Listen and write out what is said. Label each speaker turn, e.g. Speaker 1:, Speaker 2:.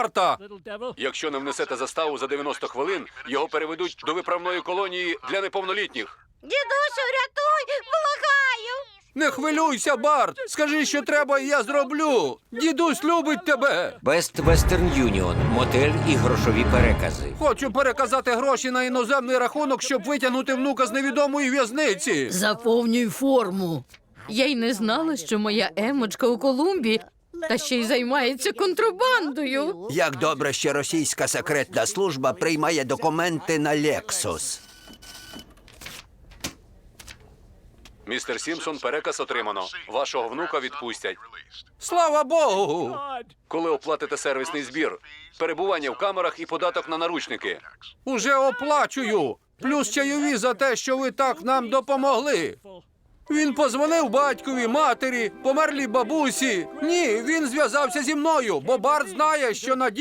Speaker 1: Барта.
Speaker 2: Якщо не внесете заставу за 90 хвилин, його переведуть до виправної колонії для неповнолітніх.
Speaker 3: Дідусю, рятуй! Благаю!
Speaker 1: Не хвилюйся, Барт. Скажи, що треба, і я зроблю. Дідусь любить тебе.
Speaker 4: Best Western Union. Мотель і грошові перекази.
Speaker 1: Хочу переказати гроші на іноземний рахунок, щоб витягнути внука з невідомої в'язниці.
Speaker 5: Заповнюй форму. Я й не знала, що моя Емочка у Колумбії, та ще й займається контрабандою.
Speaker 6: Як добре, що російська секретна служба приймає документи на Lexus.
Speaker 2: Містер Сімпсон, переказ отримано. Вашого внука відпустять.
Speaker 1: Слава Богу!
Speaker 2: Коли оплатите сервісний збір, перебування в камерах і податок на наручники.
Speaker 1: Уже оплачую. Плюс чайові за те, що ви так нам допомогли. Він позвонив батькові, матері, померлій бабусі. Ні, він зв'язався зі мною, бо Барт знає, що на